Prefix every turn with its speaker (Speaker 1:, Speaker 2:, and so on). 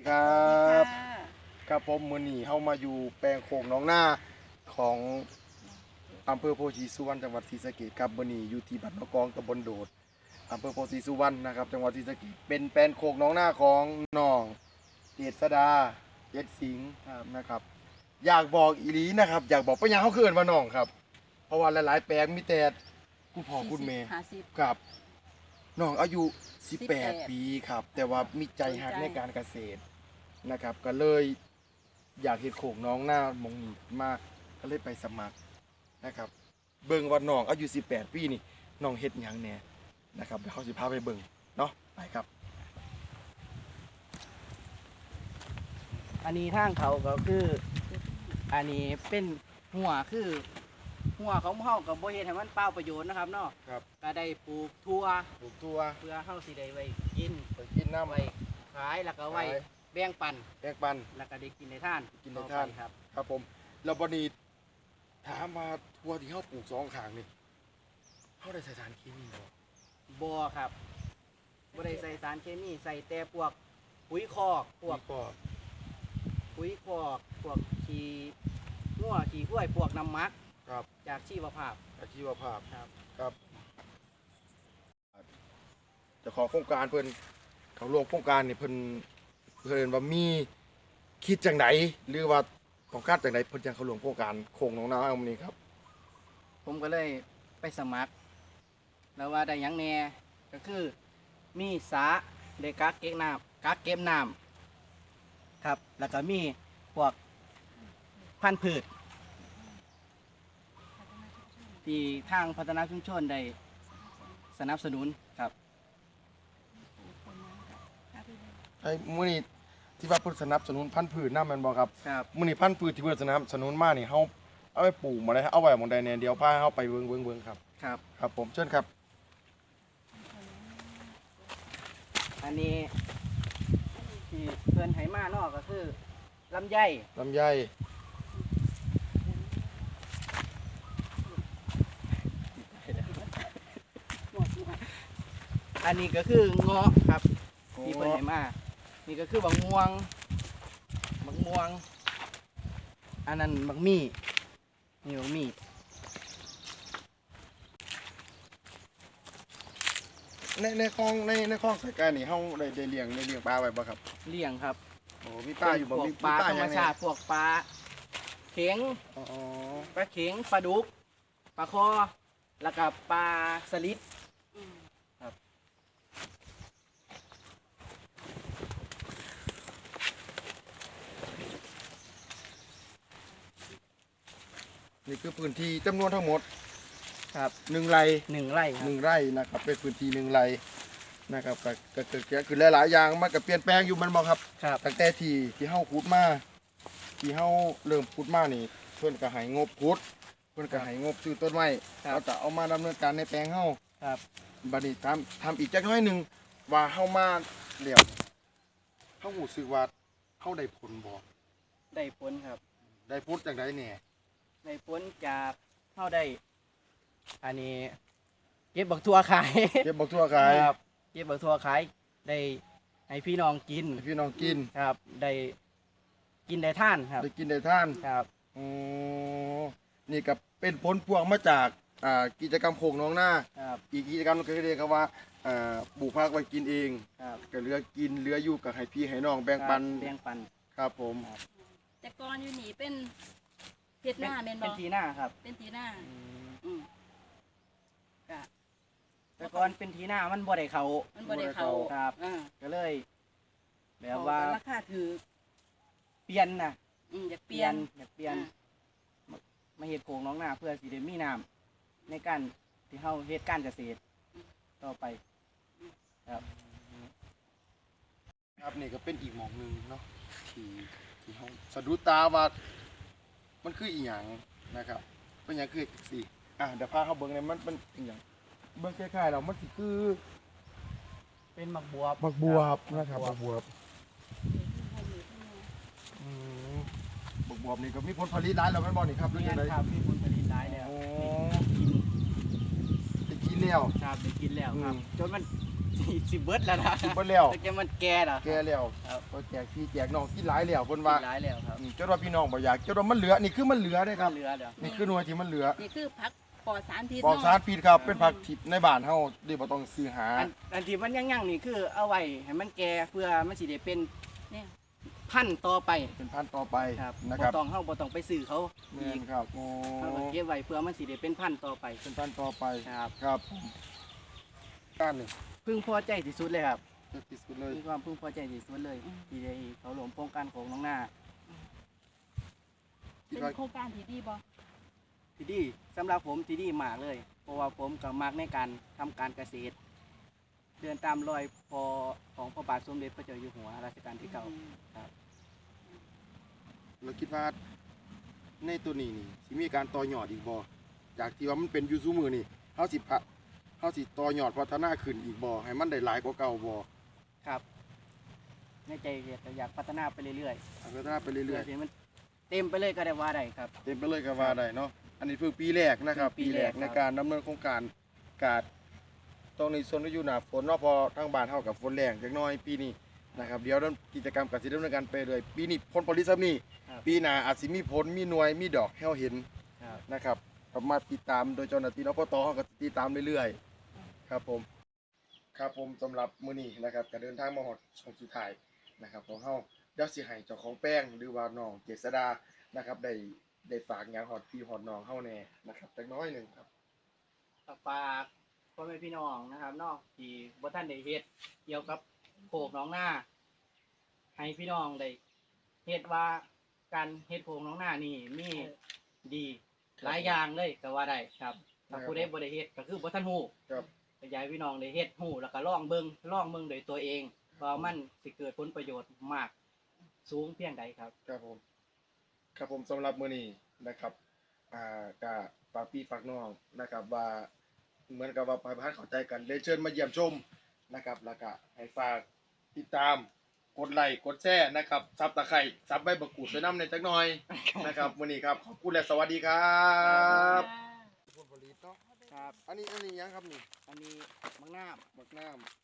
Speaker 1: ครับ
Speaker 2: ค่ะ
Speaker 1: ครับผมมื้อนี้เฮามาอยู่แปลงโขงหนองนาของอำเภอโพธิสุวรรณจังหวัดศรีสะเกษครับมื้อนี้อยู่ที่บ้านนกองตำบลโดดอำเภอโพธิสุวรรณนะครับจังหวัดศรีสะเกษเป็นแปลงโขงหนองนาของน้องเจษดาเจ็ดสิงห์นะครับอยากบอกอีหลีนะครับอยากบอกไปยังเฮาคือเอิ้นว่าน้องครับเพราะว่าหลายๆแปลงมีแต่คุณพ่อคุณแม่
Speaker 2: 50
Speaker 1: ครับน้องอายุ 18
Speaker 2: 18
Speaker 1: ปีครับ แต่ว่ามีใจหักในการเกษตรนะครับ ก็เลยอยากเห็นโขงน้องหน้ามองนี้มากก็เลยไปสมัครนะครับ เบิ่งว่าน้องอายุ 18 ปีนี่น้องเฮ็ดหยังแหน่นะครับเดี๋ยวเขาสิพาไปเบิ่งเนาะไปครับ
Speaker 3: อันนี้ทางเขาก็คือ อันนี้เป็นหัวคือหัวของเฮากับบ่เฮ็ดให้มันเปล่าประโยชน์นะครับเนาะ
Speaker 1: ครับ
Speaker 3: ก็ได้ปลูกทั่ว
Speaker 1: ปลูกตัว
Speaker 3: เพื่อเฮาสิได้ไว้กิน
Speaker 1: ไปกินน้ำ
Speaker 3: ไว้ขายแล้วก็ไว้
Speaker 1: ขาย
Speaker 3: แบ่งปัน
Speaker 1: แยกปัน
Speaker 3: แล้วก็ได้กินในทาน
Speaker 1: กินในทาน
Speaker 3: ต่อไปครับ
Speaker 1: ครับผมแล้วบัดนี้ถามว่าทั่วที่เฮาปลูกสองข้างนี่เฮาได้ใส่สารเคมีบ่
Speaker 3: บ่ครับบ่ได้ใส่สารเคมีใส่แต่พวกปุ๋ยคอกพวก
Speaker 1: ก็
Speaker 3: ปุ๋ยคอกพวกขี้งัวขี้กล้วยพวกน้ำหมัก
Speaker 1: ครับ
Speaker 3: จากชีวภาพ
Speaker 1: อาชีวภาพ
Speaker 3: ครับ
Speaker 1: ครับเจ้าของโครงการเพิ่นเขาร่วมโครงการนี่เพิ่นว่ามีคิดจังไดหรือว่าต้องการจังไดเพิ่นจังเขาร่วมโครงการโคงน้องนาอันนี้ครับ
Speaker 3: ผมก็เลยไปสมัคร แล้วว่าได้หยังแหน่ก็คือมีสาได้กักเก็บน้ำครับ แล้วก็มีพวกพันธุ์พืชที่ทางพัฒนาชุมชนได้สนับสนุนครับ
Speaker 1: ไอ้มื้อนี้ที่ว่าเพิ่นสนับสนุนพันธุ์พืชนำแม่นบ่ครับ
Speaker 3: ครับ
Speaker 1: มื้อนี้พันธุ์พืชที่เพิ่นสนับสนุนมานี่เฮาเอาไปปลูกหม่องใดเอาไว้หม่องใดแน่เดี๋ยวพาเฮาไปเบิ่งครับ
Speaker 3: ครับ
Speaker 1: ครับผมเชิญครับ
Speaker 3: อันนี้ที่เพื่อนไหมานอกก็คือลำไย
Speaker 1: ลำไย
Speaker 3: อันนี้ก็คือเงาะครับที่เพื่อนไหมานี่ก็คือบักม่วง อันนั้นบักมี่นี่บักมี่
Speaker 1: ในคลองในคลองสายการนี่เฮาได้เลี้ยงปลาไว้บ่ครับ
Speaker 3: เลี้ยงครับ
Speaker 1: โอ้มีปลาอยู่บ่
Speaker 3: พวก
Speaker 1: มี
Speaker 3: ปลาธรรม
Speaker 1: หยังแน่
Speaker 3: ชาติพวกปลาเข็ง
Speaker 1: อ๋อ
Speaker 3: ปลาเข็งปลาดุกปลาคอแล้วก็ปลาสลิด
Speaker 1: นี่คือพื้นที่จำนวนทั้งหมด
Speaker 3: ครับ
Speaker 1: 1 ไร่
Speaker 3: 1 ไร่ครับ
Speaker 1: 1 ไร่นะครับเป็นพื้นที่1 ไร่นะครับก็คือหลายๆอย่างมันก็เปลี่ยนแปลงอยู่มันบ่ครับ
Speaker 3: ครับ
Speaker 1: ตั้งแต่ที่เฮาขุดมาที่เฮาเริ่มขุดมานี่เพิ่นก็ให้งบขุดเพิ่นก็ให้งบซื้อต้นไม้
Speaker 3: ครับ
Speaker 1: แล้วก็เอามาดำเนินการในแปลงเฮา
Speaker 3: ครับ
Speaker 1: บัดนี้ทำอีกจักหน้อยหนึงว่าเฮามาแล้วเฮารู้สึกว่าเฮาได้ผลบ่
Speaker 3: ได้ผลครับ
Speaker 1: ได้ผลจังได๋แหน่
Speaker 3: ได้ผลจากเท่าได้ อันนี้เก็บบักทั่วขาย
Speaker 1: เก็บบักทั่วขาย
Speaker 3: ครับเก็บบักทั่วขายได้ให้พี่น้องกิน
Speaker 1: ให้พี่น้องกิน
Speaker 3: ครับ ได้กินได้ท่านครับ
Speaker 1: ได้กินได้ทาน
Speaker 3: ครับ
Speaker 1: อ๋อนี่ก็เป็นผลพวงมาจากกิจกรรมโขงน้องหน้า
Speaker 3: ครับ
Speaker 1: อีกกิจกรรมหนึงก็เรียกว่าปลูกผักไว้กินเอง
Speaker 3: ครับ
Speaker 1: ก็เหลือกินเหลืออยู่กับให้พี่ให้น้องแบ่งปัน
Speaker 3: แบ่งปัน
Speaker 1: ครับผม
Speaker 2: แต่ก่อนอยู่นี่เป็นเฮ็ดหน้าแม่นบ่
Speaker 3: เป็นทีหน้าครับ
Speaker 2: เป็นทีหน้าอืมก็
Speaker 3: แต่ก่อนเป็นทีหน้ามันบ่ได้เขา
Speaker 2: มันบ่ได้เข้า
Speaker 3: ครับ
Speaker 2: อ่า
Speaker 3: ก็เลย แบบว่า
Speaker 2: ราคาถือ
Speaker 3: เปลี่ยนนะ
Speaker 2: อยากเปลี่ยน
Speaker 3: อยากเปลี่ยนมาเฮ็ดโขงน้องหน้าเพื่อสิได้มีน้ำในการที่เฮาเฮ็ดการเกษตรต่อไป ครับ
Speaker 1: ครับนี่ก็เป็นอีกหมองหนึงเนาะที่เฮาสะดุดตาว่ามันคืออีหยังนะครับเป็นหยังคือสิเดี๋ยวพาเขาเบิ่งเนี่ยมันเป็นอีหยังเบิ่งคล้ายๆแล้วมันสิคือ
Speaker 3: เป็นหมักบวบ
Speaker 1: บักบวบนะครับบักบวบอืมบักบวบนี่ก็มีผลผลิตหลายแล้วแม่นบ่นี่ครับหรือ
Speaker 3: นี่
Speaker 1: จังได๋
Speaker 3: ครับมีผลผลิตหลายแล้ว
Speaker 1: โอ้
Speaker 3: กิน
Speaker 1: ได้กินแล้ว
Speaker 3: ครับได้กินแล้วครับ
Speaker 1: อืม
Speaker 3: จนมันสิเบิดแล้วนะ
Speaker 1: กินเบิดแล้ว
Speaker 3: แต่แกมันแก่แล้ว
Speaker 1: แก่แล้ว
Speaker 3: ครับ
Speaker 1: ก็แจกพี่แจกน้องกินหลายแล้วเพิ่นว่า
Speaker 3: หลายแล้วครับ
Speaker 1: จนว่าพี่น้องบ่อยากจนว่ามันเหลือนี่คือมันเหลือเด้ครับ
Speaker 3: เหลือเดี๋ยว
Speaker 1: นี่คือหน่วยที่มันเหลือ
Speaker 2: นี่คือผักปลอดสารพิษ
Speaker 1: ปลอด
Speaker 2: เนาะ
Speaker 1: สารพิษครับเป็นผักทิพย์ในบ้านเฮาที่บ่ต้องซื้อหา
Speaker 3: อันที่มันยั่งๆนี่คือเอาไว้ให้มันแก่เพื่อมันสิได้เป็น
Speaker 2: เนี่ย
Speaker 3: พันธุ์ต่อไป
Speaker 1: เป็นพันธุ์ต่อไป
Speaker 3: ครับ
Speaker 1: นะ
Speaker 3: บ่
Speaker 1: ครับ
Speaker 3: ต้องเฮาบ่ต้องไปซื้อเขา
Speaker 1: แม่
Speaker 3: อีก
Speaker 1: นครับโอ้
Speaker 3: เฮาก็เก็บไว้เพื่อมันสิได้เป็นพันธุ์ต่อไป
Speaker 1: เป็นพันธุ์ต่อไป
Speaker 3: ครับ
Speaker 1: ครับการนี่
Speaker 3: พึงพอใจที่สุดเลยครับ
Speaker 1: เด็ดที่สุดเลย
Speaker 3: มีความพึงพอใจที่สุดเลยที่ได้เขาร่วมโครงการของน้องหน้า
Speaker 1: คิด
Speaker 2: เป็น
Speaker 1: ว่า
Speaker 2: โครงการที่ดีบ่
Speaker 3: ที่ดีสำหรับผมที่ดีมากเลย เพราะว่าผมก็มักในการทำการเกษตร เดินตามรอยพอของพระบาทสมเด็จพระเจ้าอยู่หัวรัชกาลที่เก้าครับ
Speaker 1: เราคิดว่าในตัวนี้นี่สิมีการต่อยอดอีกบ่จากที่ว่ามันเป็นอยู่ซุมื้อนี่เฮาสิต่อยอดพัฒนาขึ้นอีกบ่ให้มันได้หลายกว่าเก่าบ่
Speaker 3: ครับในใจอยากพัฒนาไปเรื่อย
Speaker 1: พัฒนาไป
Speaker 3: ๆ
Speaker 1: เรื่
Speaker 3: เรื่
Speaker 1: อ
Speaker 3: อย ยๆมันเต็มไปเลยก็ได้ว่าได้ครับ
Speaker 1: ๆเต็มไปเลยก็ว่าได้เนาะอันนี้เพิ่งปีแรกนะครับ
Speaker 3: ปี
Speaker 1: ปีแร
Speaker 3: แร
Speaker 1: ก
Speaker 3: กครับ
Speaker 1: ในการดำเนินโครงการการตรงนี้ส่วนที่อยู่หน้าฝนเนาะพอทางบ้านเฮากับฝนแรงจักหน่อยปีนี้นะครับเดี๋ยวกิจกรรมก็สิดำเนินการไปเลยปีนี้ผลผลิตซ้ำนี้
Speaker 3: ครับ
Speaker 1: ปีหน้าอาจสิมีผลมีหน่วยมีดอกให้เราเห็น
Speaker 3: ครับ
Speaker 1: นะครับก็มาติดตามโดยเจ้าหน้าที่นปตเขาก็ติดตามเรื่อยๆครับผมครับผมสำหรับมื้อนี้นะครับก็เดินทางมาฮอดช่องสุดท้ายนะครับของเฮาเดี๋ยวสิให้เจ้าของแป้งหรือว่าน้องเจษดานะครับได้ฝากงานฮอดพี่ฮอดน้องเฮาแน่นะครับจักหน้อยหนึงครับ
Speaker 3: ฝากพ่อแม่พี่น้องนะครับเนอกที่บ่ท่านได้เฮ็ดเกี่ยวกับโขกหน้องหน้า ให้พี่น้องได้เฮ็ดว่าการเฮ็ดโขกหน้องหน้านี่มีดีหลายอย่างเลยก็ว่าได้ครับถ้าผู้ใดบ่ได้เฮ็ดก็คือบ่ทันฮู้
Speaker 1: ครับ
Speaker 3: ก็อยากให้พี่น้องได้เฮ็ดฮู้แล้วก็ลองเบิ่งโดยตัวเองว่ามันสิเกิดผลประโยชน์มากสูงเพียงใดครับ
Speaker 1: ครับผมครับผมสำหรับมื้อนี้นะครับก็ฝากพี่ฝากน้องนะครับว่าเหมือนกับว่าไปพันเข้าใจกันเลยเชิญมาเยี่ยมชมนะครับแล้วก็ให้ฝากติดตามกดไลค์กดแชร์นะครับซับตะไคร้ซับใบบักกูดไปน้ำในจักหน่อยนะครับมื้อนี้ครับขอบคุณและสวัสดีครับผลผลิตเนาะ
Speaker 3: ครับ
Speaker 1: อันนี้ยังครับนี่
Speaker 3: อันนี้มังน้ำ
Speaker 1: บักน้ำ